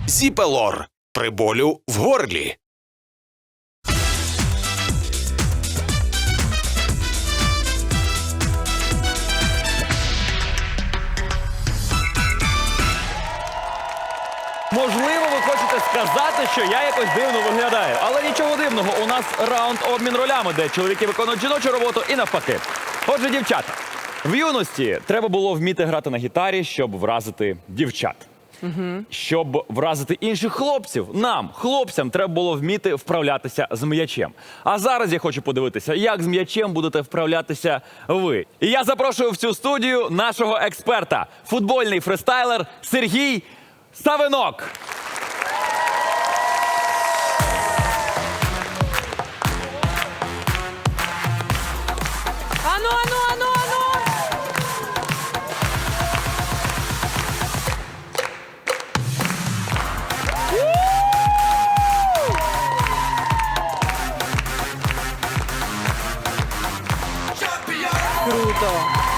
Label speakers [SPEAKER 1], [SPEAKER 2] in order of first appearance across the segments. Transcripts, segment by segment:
[SPEAKER 1] Зіпелор при болю в горлі.
[SPEAKER 2] Можливо, ви хочете сказати, що я якось дивно виглядаю. Але нічого дивного, у нас раунд обмін ролями, де чоловіки виконують жіночу роботу і навпаки. Отже, дівчата, в юності треба було вміти грати на гітарі, щоб вразити дівчат. Щоб вразити інших хлопців, нам, хлопцям, треба було вміти вправлятися з м'ячем. А зараз я хочу подивитися, як з м'ячем будете вправлятися ви. І я запрошую в цю студію нашого експерта, футбольний фристайлер Сергій Савинок.
[SPEAKER 3] Ану, ану, ану, ану! Круто!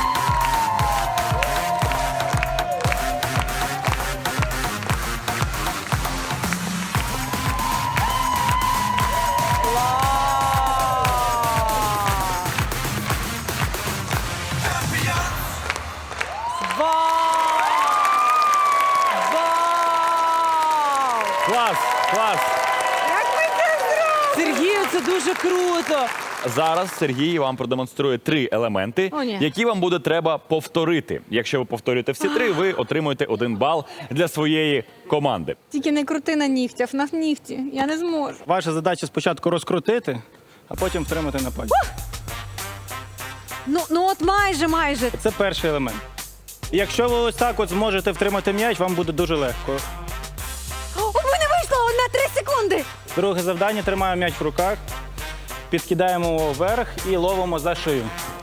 [SPEAKER 2] Клас, клас.
[SPEAKER 3] Як ви це зробили? Сергію, це дуже круто!
[SPEAKER 2] Зараз Сергій вам продемонструє 3 елементи,
[SPEAKER 3] О, ні.
[SPEAKER 2] які вам буде треба повторити. Якщо ви повторюєте всі 3, ви отримуєте 1 бал для своєї команди.
[SPEAKER 3] Тільки не крути на нігтях, на нігті. Я не зможу.
[SPEAKER 4] Ваша задача спочатку розкрутити, а потім втримати на пальці.
[SPEAKER 3] Ну от майже.
[SPEAKER 4] Це перший елемент. І якщо ви ось так от зможете втримати м'яч, вам буде дуже легко.
[SPEAKER 3] О, у мене вийшло на 3 секунди!
[SPEAKER 4] Друге завдання – тримаємо м'яч в руках, підкидаємо його вверх і ловимо за шию.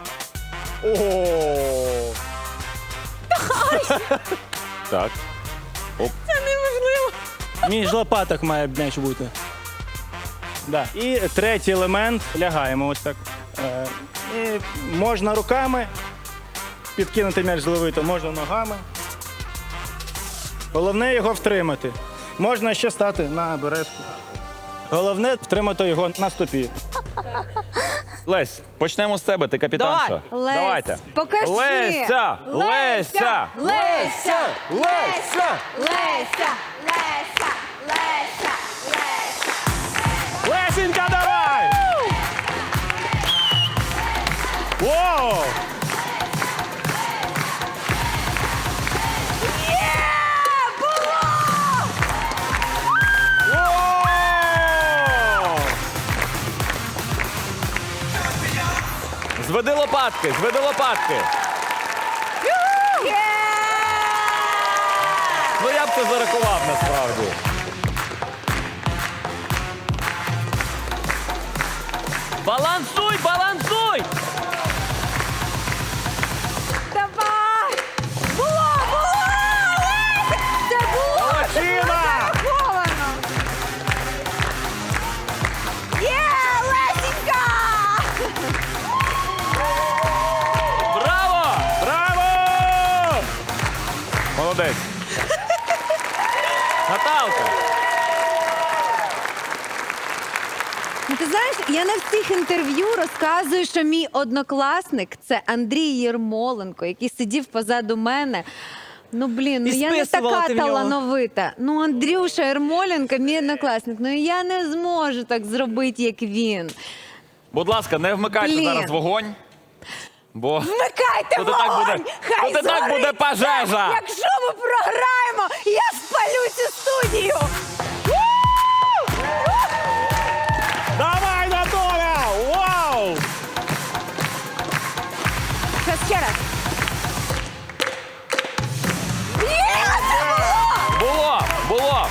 [SPEAKER 2] Так.
[SPEAKER 3] Це неможливо.
[SPEAKER 4] Між лопаток має м'яч бути. Да. І третій елемент – лягаємо ось так. І можна руками підкинути м'яч зловити, можна ногами. Головне його втримати. Можна ще стати на березку. Головне втримати його на стопі.
[SPEAKER 2] Лесь, почнемо з тебе, ти капітанша.
[SPEAKER 3] Лесь,
[SPEAKER 2] Давайте.
[SPEAKER 3] покажи.
[SPEAKER 2] Леся! Леся!
[SPEAKER 3] Леся! Леся!
[SPEAKER 2] Леся!
[SPEAKER 3] Леся!
[SPEAKER 2] Лесенька, давай! Воу! Воу! Зведи лопатки, зведи лопатки. Ну я б це зарахував насправді. Балансуй, балансуй!
[SPEAKER 3] Давай! Було! Леся! Це було!
[SPEAKER 2] Молодчина!
[SPEAKER 3] Зараховано! Є, Лесенька!
[SPEAKER 2] Браво! Браво! Молодець. Наталка.
[SPEAKER 3] Ну, ти знаєш, я на всіх інтерв'ю розказую, що мій однокласник – це Андрій Єрмоленко, який сидів позаду мене. Ну, блін, я не
[SPEAKER 5] списувала
[SPEAKER 3] така
[SPEAKER 5] ти в нього.
[SPEAKER 3] талановита. Ну, Андрюша Єрмоленко – мій однокласник. Ну, я не зможу так зробити, як він.
[SPEAKER 2] Будь ласка, не вмикайте
[SPEAKER 3] Блін.
[SPEAKER 2] зараз вогонь. Бо
[SPEAKER 3] Вмикайте
[SPEAKER 2] Тут і так
[SPEAKER 3] вогонь!
[SPEAKER 2] буде-
[SPEAKER 3] Хай
[SPEAKER 2] тут і так
[SPEAKER 3] згорить
[SPEAKER 2] буде
[SPEAKER 3] це!
[SPEAKER 2] пожежа!
[SPEAKER 3] Якщо ми програємо, я спалю цю студію!
[SPEAKER 2] давай, Наталя! Вау!
[SPEAKER 3] Зараз ще раз. Є, це було!
[SPEAKER 2] Було!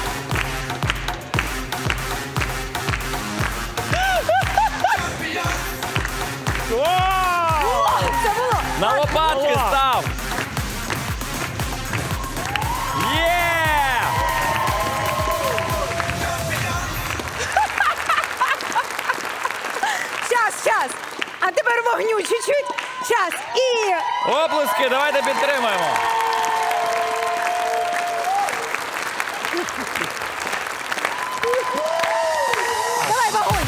[SPEAKER 2] Вау!
[SPEAKER 3] Це було!
[SPEAKER 2] На лопатки став! Є!
[SPEAKER 3] Щас! А тепер вогню чуть-чуть. Щас. І...
[SPEAKER 2] Оплески, давайте підтримаємо.
[SPEAKER 3] Давай, вогонь!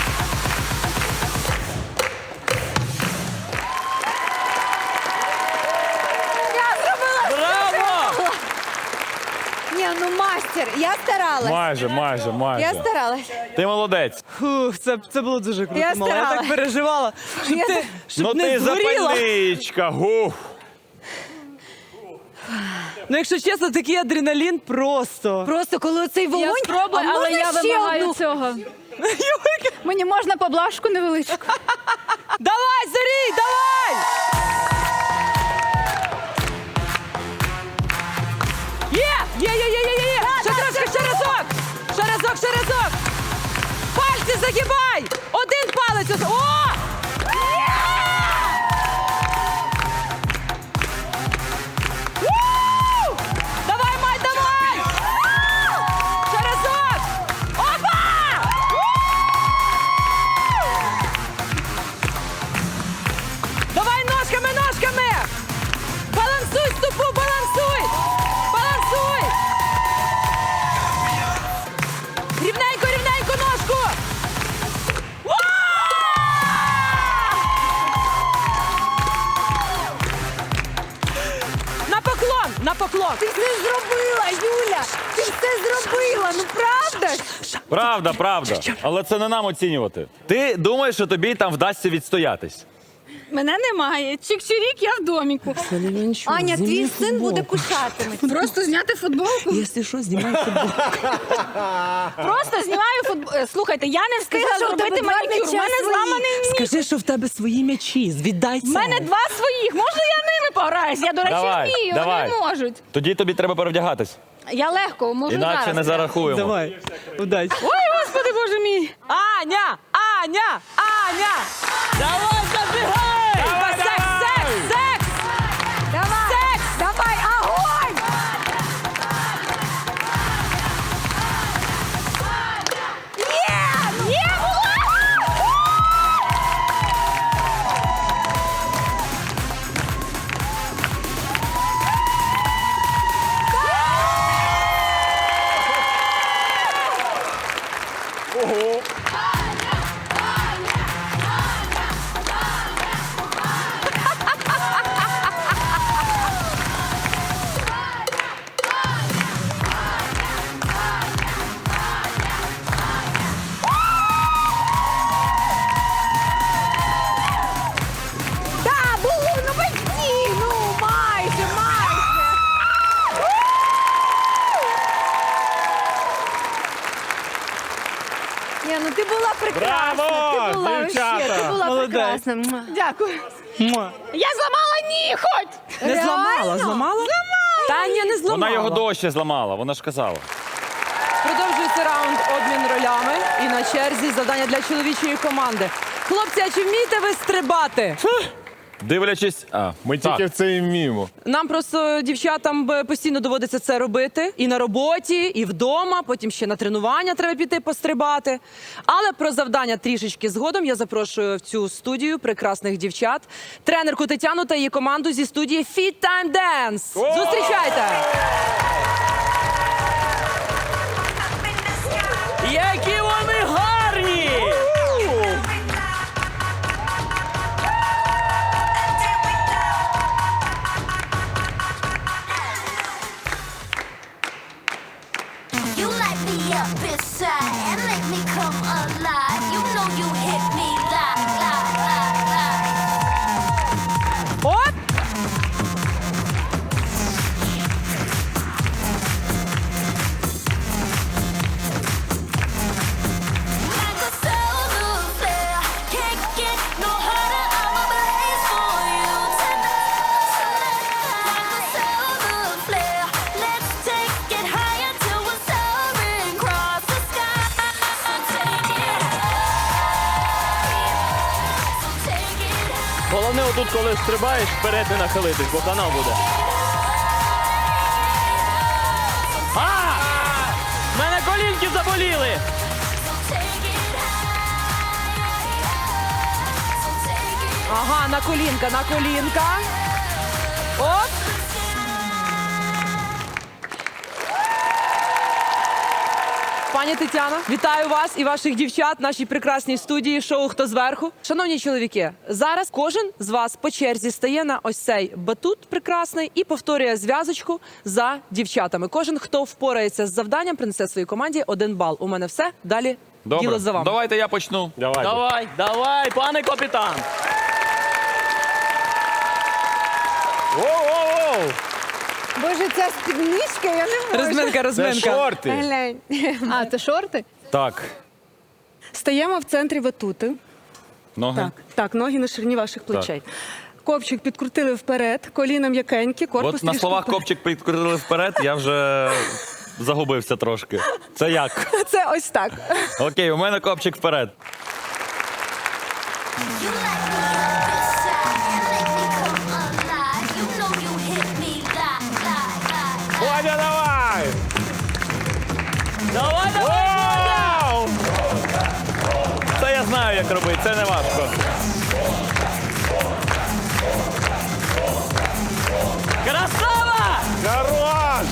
[SPEAKER 3] Я зробила!
[SPEAKER 2] Браво!
[SPEAKER 3] Ні, ну мастер, я старалась.
[SPEAKER 2] Майже.
[SPEAKER 3] Я старалась.
[SPEAKER 2] Ти молодець.
[SPEAKER 5] Фух, це було дуже круто,
[SPEAKER 3] Я
[SPEAKER 5] мала. Я
[SPEAKER 3] старалась.
[SPEAKER 5] так переживала. Щоб
[SPEAKER 3] Я
[SPEAKER 5] ти,
[SPEAKER 3] за-
[SPEAKER 5] щоб
[SPEAKER 2] Ну
[SPEAKER 5] не
[SPEAKER 2] ти
[SPEAKER 5] згоріла.
[SPEAKER 2] запальничка. Гуф.
[SPEAKER 5] Ну, якщо чесно, такий адреналін просто.
[SPEAKER 3] Просто коли цей вогонь,
[SPEAKER 6] Я спробую,
[SPEAKER 3] а
[SPEAKER 6] але
[SPEAKER 3] можна
[SPEAKER 6] я
[SPEAKER 3] ще
[SPEAKER 6] вимагаю
[SPEAKER 3] одну?
[SPEAKER 6] цього. Мені можна поблажку невеличку?
[SPEAKER 5] Давай, Зарій, давай! Є! Ще трошки, ще разок! Пальці загибай! Один палець! О! Ву! Давай, Май, давай! Ще разок! Опа! Давай ножками! Балансуй стопу, балансуй! Рівненько ножку! На поклон!
[SPEAKER 3] Ти все зробила, Юля! Ти все зробила, ну правда ж?
[SPEAKER 2] Правда. Але це не нам оцінювати. Ти думаєш, що тобі там вдасться відстоятись?
[SPEAKER 6] Мене немає. Чик-чирік, я в доміку.
[SPEAKER 3] Аня, твій син буде кушатиме.
[SPEAKER 6] Просто зняти футболку?
[SPEAKER 5] Якщо що, знімай футболку.
[SPEAKER 6] Просто знімаю футболку. Слухайте, я не встигла
[SPEAKER 3] Скажи, що в тебе
[SPEAKER 6] зробити
[SPEAKER 3] два
[SPEAKER 6] манікюр. У
[SPEAKER 3] м'яча
[SPEAKER 6] мене
[SPEAKER 3] своїх.
[SPEAKER 6] зламаний ніг.
[SPEAKER 5] Скажи, що в тебе свої м'ячі, віддай це.
[SPEAKER 6] У мене 2 своїх. Можна я ними пограюсь? Я, до речі, вмію,
[SPEAKER 2] давай.
[SPEAKER 6] вони можуть.
[SPEAKER 2] Тоді тобі треба перевдягатись.
[SPEAKER 6] Я легко, можу
[SPEAKER 2] Інакше
[SPEAKER 6] зараз.
[SPEAKER 2] не зарахуємо.
[SPEAKER 5] Давай, удачі.
[SPEAKER 6] Ой, господи, боже мій.
[SPEAKER 5] Аня!
[SPEAKER 2] Давай, забігай!
[SPEAKER 5] Секс!
[SPEAKER 3] Давай, огонь!
[SPEAKER 6] Є, була!
[SPEAKER 3] Да, було, ну почти, ну майже. Ні, ну ти була прекрасна.
[SPEAKER 2] Браво,
[SPEAKER 3] Ти була
[SPEAKER 2] дівчата!
[SPEAKER 3] вообще, ти була
[SPEAKER 5] Молодець.
[SPEAKER 3] прекрасна. Муа.
[SPEAKER 6] Дякую.
[SPEAKER 5] Муа.
[SPEAKER 6] Я зламала ніготь!
[SPEAKER 5] Не зламала,
[SPEAKER 3] Реально?
[SPEAKER 5] зламала? Та ні, не зламала.
[SPEAKER 2] Вона його дощі зламала, вона ж казала.
[SPEAKER 5] Продовжується раунд обмін ролями. І на черзі завдання для чоловічої команди. Хлопці, а чи вмієте ви стрибати?
[SPEAKER 2] Дивлячись,
[SPEAKER 7] Ми тільки в це і вміємо.
[SPEAKER 5] Нам просто дівчатам постійно доводиться це робити. І на роботі, і вдома, потім ще на тренування треба піти пострибати. Але про завдання трішечки згодом я запрошую в цю студію прекрасних дівчат, тренерку Тетяну та її команду зі студії Fit Time Dance. Зустрічайте!
[SPEAKER 2] Які вони гарні!
[SPEAKER 8] You light me up inside and make me come alive. You know you hit me like.
[SPEAKER 5] Оп!
[SPEAKER 8] Like a solar flare, can't get no hotter. I'm ablaze for you tonight. Like a solar flare, let's take it higher till we're soaring across the sky. So take it high. So take it high.
[SPEAKER 2] Головне отут, коли стрибаєш, вперед не нахилитись, бо канал буде. У мене колінки заболіли!
[SPEAKER 8] Take it high. So take it
[SPEAKER 5] Ага, на колінка. Оп! Пані Тетяно, вітаю вас і ваших дівчат в нашій прекрасній студії шоу «Хто зверху». Шановні чоловіки, зараз кожен з вас по черзі стає на ось цей батут прекрасний і повторює зв'язочку за дівчатами. Кожен, хто впорається з завданням, принесе своїй команді 1 бал. У мене все. Далі діло за вами.
[SPEAKER 2] Давайте я почну.
[SPEAKER 9] Давай, пане капітан.
[SPEAKER 3] Боже, ця спідничка, я не можу.
[SPEAKER 5] Розминка.
[SPEAKER 3] Глянь.
[SPEAKER 6] А, це шорти?
[SPEAKER 2] Так,
[SPEAKER 10] Стаємо в центрі батути.
[SPEAKER 2] ноги.
[SPEAKER 10] Так, ноги на ширині ваших плечей. Копчик підкрутили вперед, коліна м'якенькі, корпус
[SPEAKER 2] От на
[SPEAKER 10] трішки
[SPEAKER 2] словах
[SPEAKER 10] вперед.
[SPEAKER 2] копчик підкрутили вперед, я вже загубився трошки. Це як?
[SPEAKER 10] Це ось так.
[SPEAKER 2] Окей, у мене копчик вперед.
[SPEAKER 8] You light me up inside and make me come alive. You know you hit me like.
[SPEAKER 7] Бодя, давай!
[SPEAKER 9] Давай!
[SPEAKER 2] Це я знаю, як робити, це не важко.
[SPEAKER 9] Красава!
[SPEAKER 7] Хорош!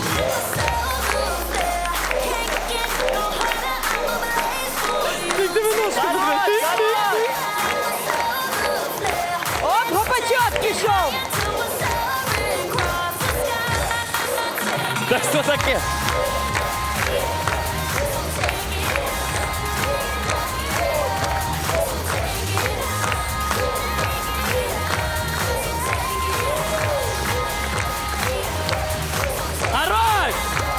[SPEAKER 5] Оп, гопачок пішов!
[SPEAKER 2] Та що таке?
[SPEAKER 9] Хорош!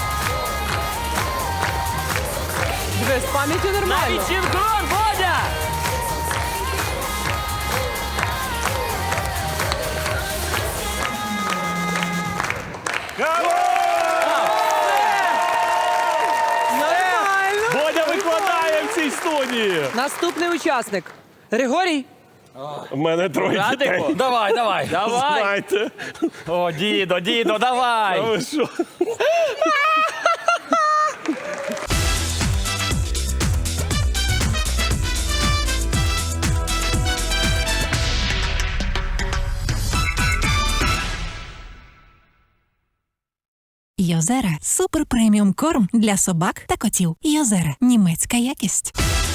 [SPEAKER 5] Диви, з пам'яттю нормально.
[SPEAKER 9] Навіть синхрон, Бодя!
[SPEAKER 7] Бодя викладає в цій студії.
[SPEAKER 5] Наступний учасник. Григорій.
[SPEAKER 7] У мене троє дітей.
[SPEAKER 9] Радико.
[SPEAKER 2] Давай, давай.
[SPEAKER 9] Давай!
[SPEAKER 7] Знаєте,
[SPEAKER 2] О, дідо,
[SPEAKER 7] а
[SPEAKER 2] давай.
[SPEAKER 7] ви що?
[SPEAKER 11] Йозера – супер преміум корм для собак та котів. Йозера – німецька якість.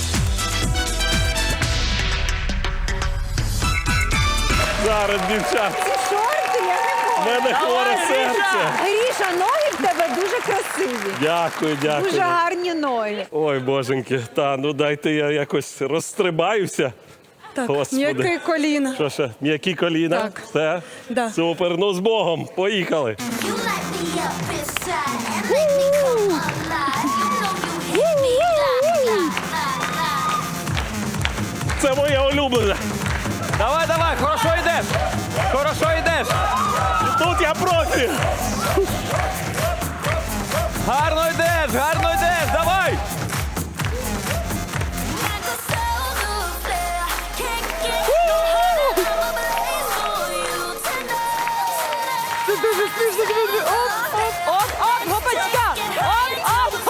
[SPEAKER 7] Зараз, дівчат,
[SPEAKER 3] Ці шорти, я не можу.
[SPEAKER 7] в мене хворе серце.
[SPEAKER 3] Гріша, ноги в тебе дуже красиві.
[SPEAKER 7] Дякую,
[SPEAKER 3] Дуже
[SPEAKER 7] дякую.
[SPEAKER 3] гарні ноги.
[SPEAKER 7] Ой, боженьки, та ну дайте я якось розстрибаюся.
[SPEAKER 10] Так,
[SPEAKER 7] Господи.
[SPEAKER 10] м'яке коліна.
[SPEAKER 7] Що ще? М'які коліна?
[SPEAKER 10] Так.
[SPEAKER 7] Все?
[SPEAKER 10] Да.
[SPEAKER 7] Супер, ну з Богом, поїхали.
[SPEAKER 8] You light me up inside and make me come alive. You know you hit me like.
[SPEAKER 7] Це моє улюблене.
[SPEAKER 2] Давай, хорошо йдеш. Хорошо йдеш.
[SPEAKER 7] Тут я профі.
[SPEAKER 2] Гарно йдеш, давай.
[SPEAKER 8] Like a solar flare. Can't get no hotter. I'm a blaze for you tonight.
[SPEAKER 5] Це дуже смішно, друзі. Оп, гопачка. Оп.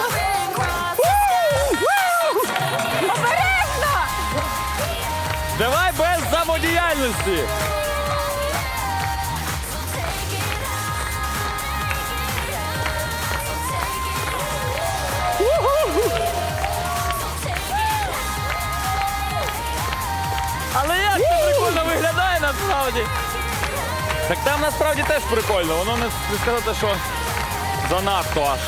[SPEAKER 3] Обережно!
[SPEAKER 2] Давай без самодіяльності. Але як це прикольно виглядає насправді. Так там насправді теж прикольно, воно не сказати, що занадто аж.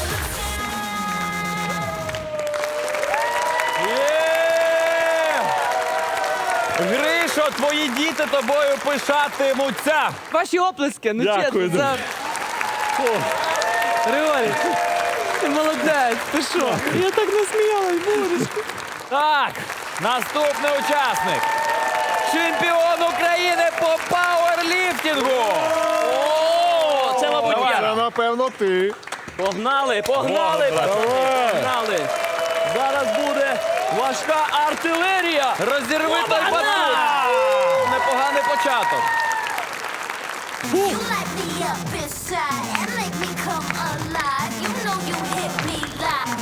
[SPEAKER 2] Є! Гришо, твої діти тобою пишатимуться.
[SPEAKER 5] Ваші оплески. Ну,
[SPEAKER 7] Дякую,
[SPEAKER 5] чесно.
[SPEAKER 7] друзі.
[SPEAKER 5] Григорій, ти молодець. Ти що? Я так насміялась, божечко.
[SPEAKER 2] Так, наступний учасник. Чемпіон України по пауерліфтингу.
[SPEAKER 9] О, це, мабуть,
[SPEAKER 2] Давай.
[SPEAKER 9] я.
[SPEAKER 7] Це, напевно, ти.
[SPEAKER 9] Погнали, пацани, погнали. Зараз буде важка артилерія.
[SPEAKER 2] Розірви той батут. Непоганий початок.
[SPEAKER 8] You light me up inside and make me come alive. You know you hit me like.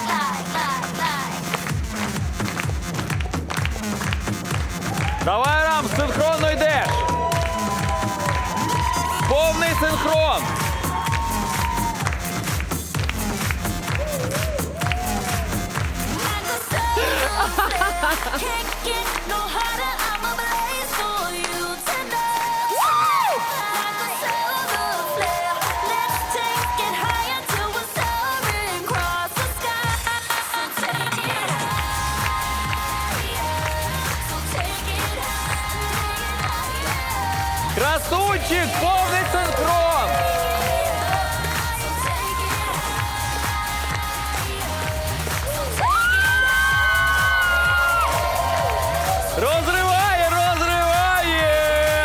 [SPEAKER 2] Давай, Рам, синхронно йдеш. Повний синхрон. втік, повний синхрон. Розриває, розриває.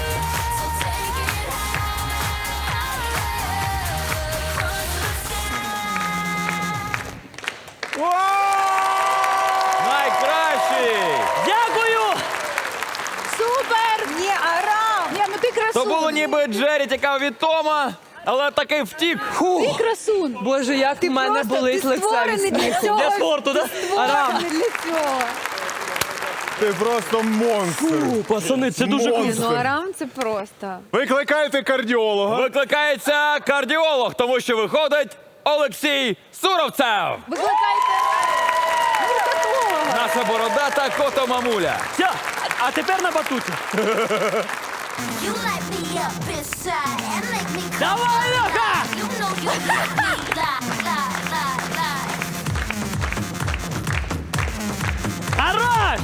[SPEAKER 2] Найкращий.
[SPEAKER 9] Дякую!
[SPEAKER 6] Супер! Ні, Арам! Ні, ну ти красун.
[SPEAKER 2] То було ніби Джері тікав від Тома, але таки втік.
[SPEAKER 6] Ти красун.
[SPEAKER 5] Боже, як в мене болить
[SPEAKER 3] ти
[SPEAKER 5] лице
[SPEAKER 3] створений
[SPEAKER 5] від
[SPEAKER 3] для
[SPEAKER 5] сміху.
[SPEAKER 3] цього.
[SPEAKER 9] Для спорту, да?
[SPEAKER 5] Арам,
[SPEAKER 3] Створений для цього.
[SPEAKER 7] Ти просто монстр.
[SPEAKER 9] Фу, пацани, це дуже
[SPEAKER 3] Ні,
[SPEAKER 9] круто.
[SPEAKER 3] ну Арам це просто.
[SPEAKER 7] Викликайте кардіолога.
[SPEAKER 2] Викликається кардіолог, тому що виходить Олексій Суровцев.
[SPEAKER 6] Викликайте гуркатолога.
[SPEAKER 2] Наша бородата кото-мамуля.
[SPEAKER 9] Все, а тепер на батуті.
[SPEAKER 8] You light me up inside and make me come
[SPEAKER 9] Давай, Леха!
[SPEAKER 8] alive. You know you got me lie.
[SPEAKER 9] Хорош!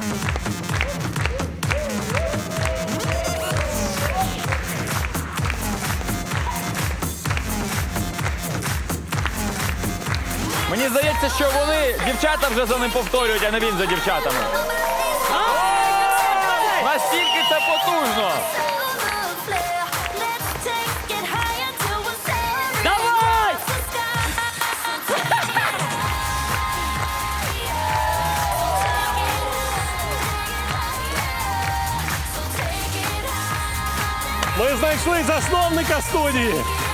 [SPEAKER 2] Мені здається, що вони, дівчата вже за ним повторюють, а не він за дівчатами. Настільки це потужно.
[SPEAKER 8] Let's take it higher till we're sailing
[SPEAKER 9] Давай!
[SPEAKER 8] across the sky.
[SPEAKER 7] Ми знайшли засновника студії.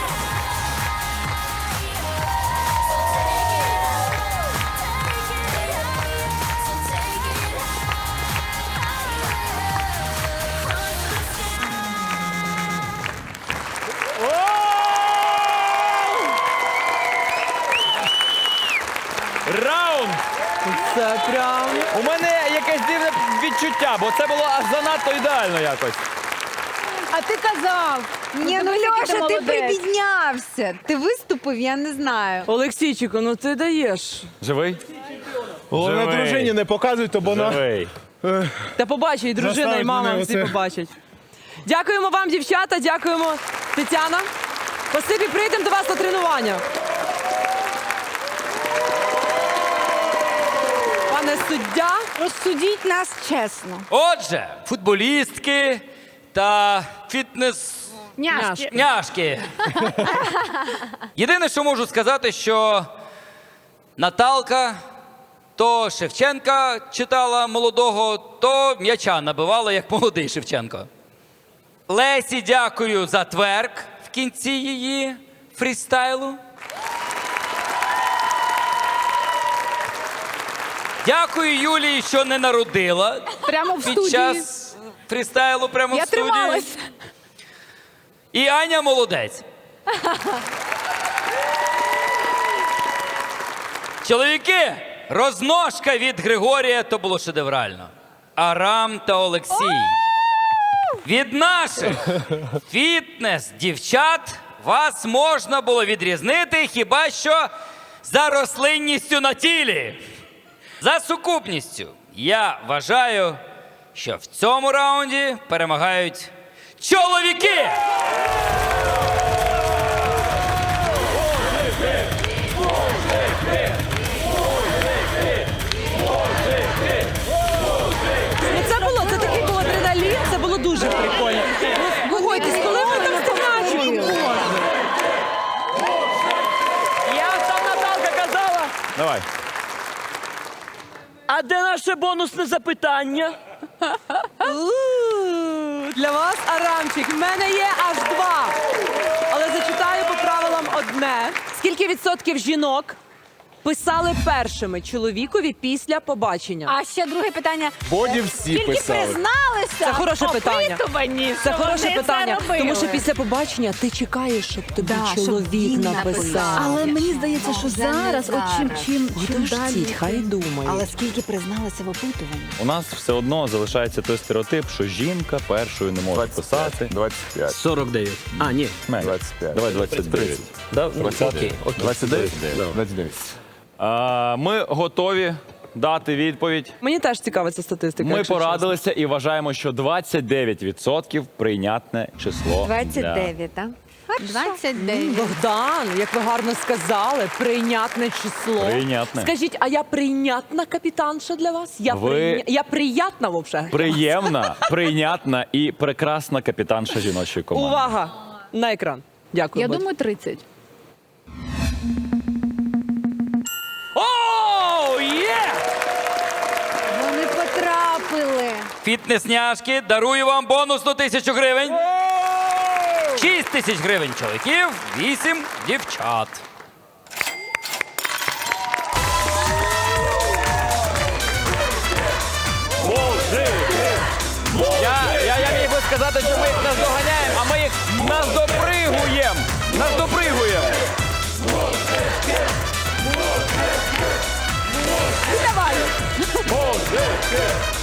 [SPEAKER 2] Раунд!
[SPEAKER 5] це прям...
[SPEAKER 2] У мене якесь дивне відчуття, бо це було аж занадто ідеально якось.
[SPEAKER 6] А ти казав.
[SPEAKER 3] Ні, ну
[SPEAKER 6] Подивись, який
[SPEAKER 3] Льоша, ти
[SPEAKER 6] молодець.
[SPEAKER 3] прибіднявся. Ти виступив, я не знаю.
[SPEAKER 5] Олексійчику, ну ти даєш.
[SPEAKER 2] Живий?
[SPEAKER 7] Головне
[SPEAKER 2] Живий.
[SPEAKER 7] дружині не показуйте, бо вона...
[SPEAKER 2] Живий.
[SPEAKER 5] Та побачить, і дружина, і
[SPEAKER 7] Заставить
[SPEAKER 5] мама
[SPEAKER 7] мене
[SPEAKER 5] всі
[SPEAKER 7] оце.
[SPEAKER 5] побачать. Дякуємо вам, дівчата, дякуємо, Тетяна. Спасибі, прийдемо до вас на тренування. Пане суддя,
[SPEAKER 3] Розсудіть нас чесно.
[SPEAKER 12] Отже, футболістки та
[SPEAKER 6] Няшки.
[SPEAKER 12] фітнес-няшки. Єдине, що можу сказати, що Наталка то Шевченка читала молодого, то м'яча набивала, як молодий Шевченко. Лесі дякую за тверк в кінці її фрістайлу. Дякую Юлії, що не народила
[SPEAKER 6] Прямо в
[SPEAKER 12] під
[SPEAKER 6] студії.
[SPEAKER 12] час фрістайлу прямо
[SPEAKER 6] Я
[SPEAKER 12] в студії.
[SPEAKER 6] трималась.
[SPEAKER 12] І Аня молодець. Чоловіки, розножка від Григорія то було шедеврально. Арам та Олексій. Від наших фітнес-дівчат вас можна було відрізнити хіба що за рослинністю на тілі. За сукупністю. Я вважаю, що в цьому раунді перемагають чоловіки!
[SPEAKER 5] ну це такий був адреналін, це було дуже прикольно. Погодьтесь, коли ви там стеначили?
[SPEAKER 9] Як там Наталка казала?
[SPEAKER 2] Давай.
[SPEAKER 9] А де наше бонусне запитання?
[SPEAKER 5] Для вас, Арамчик, в мене є аж 2. Але зачитаю по правилам одне. Скільки відсотків жінок писали першими чоловікові після побачення?
[SPEAKER 6] А ще друге питання.
[SPEAKER 7] Боді всі
[SPEAKER 6] Скільки
[SPEAKER 7] писали.
[SPEAKER 6] призналися
[SPEAKER 5] Це хороше
[SPEAKER 6] в
[SPEAKER 5] питання.
[SPEAKER 6] опитуванні,
[SPEAKER 5] Це
[SPEAKER 6] що
[SPEAKER 5] хороше
[SPEAKER 6] вони
[SPEAKER 5] питання,
[SPEAKER 6] робили?
[SPEAKER 5] тому що після побачення ти чекаєш, щоб тобі
[SPEAKER 3] щоб
[SPEAKER 5] чоловік
[SPEAKER 3] він
[SPEAKER 5] написав.
[SPEAKER 3] написав.
[SPEAKER 10] Але мені здається, що
[SPEAKER 3] Вже не
[SPEAKER 10] зараз, от чим
[SPEAKER 5] Подождіть,
[SPEAKER 10] далі.
[SPEAKER 5] хай думає.
[SPEAKER 3] Але скільки призналися в опитуванні?
[SPEAKER 2] У нас все одно залишається той стереотип, що жінка першою не може писати.
[SPEAKER 7] 25.
[SPEAKER 9] 49. А, ні.
[SPEAKER 2] Менше.
[SPEAKER 7] 25.
[SPEAKER 2] Давай 29.
[SPEAKER 9] Да?
[SPEAKER 7] 20.
[SPEAKER 9] Окей.
[SPEAKER 7] 29? 29.
[SPEAKER 2] Ми готові дати відповідь.
[SPEAKER 5] Мені теж цікава ця статистика.
[SPEAKER 2] Ми
[SPEAKER 5] якщо
[SPEAKER 2] порадилися і вважаємо, що 29% прийнятне чесло.
[SPEAKER 3] 29, так?
[SPEAKER 6] 29.
[SPEAKER 5] чесно. Богдан, як ви гарно сказали, прийнятне число.
[SPEAKER 2] Прийнятне.
[SPEAKER 5] Скажіть, а я прийнятна капітанша для вас? Я приятна взагалі?
[SPEAKER 2] Приємна, прийнятна і прекрасна капітанша жіночої команди.
[SPEAKER 5] Увага! На екран. Дякую.
[SPEAKER 6] Я
[SPEAKER 5] Бодь.
[SPEAKER 6] думаю, 30.
[SPEAKER 9] О, є!
[SPEAKER 3] Вони потрапили.
[SPEAKER 12] Фітнес-няшки, дарую вам бонусну 1000 гривень. 6 тисяч гривень чоловіків, 8 дівчат.
[SPEAKER 2] Я міг би сказати, що ми їх наздоганяємо, а ми їх наздопригуємо. Наздопригуємо.
[SPEAKER 5] Давай!
[SPEAKER 2] Музики!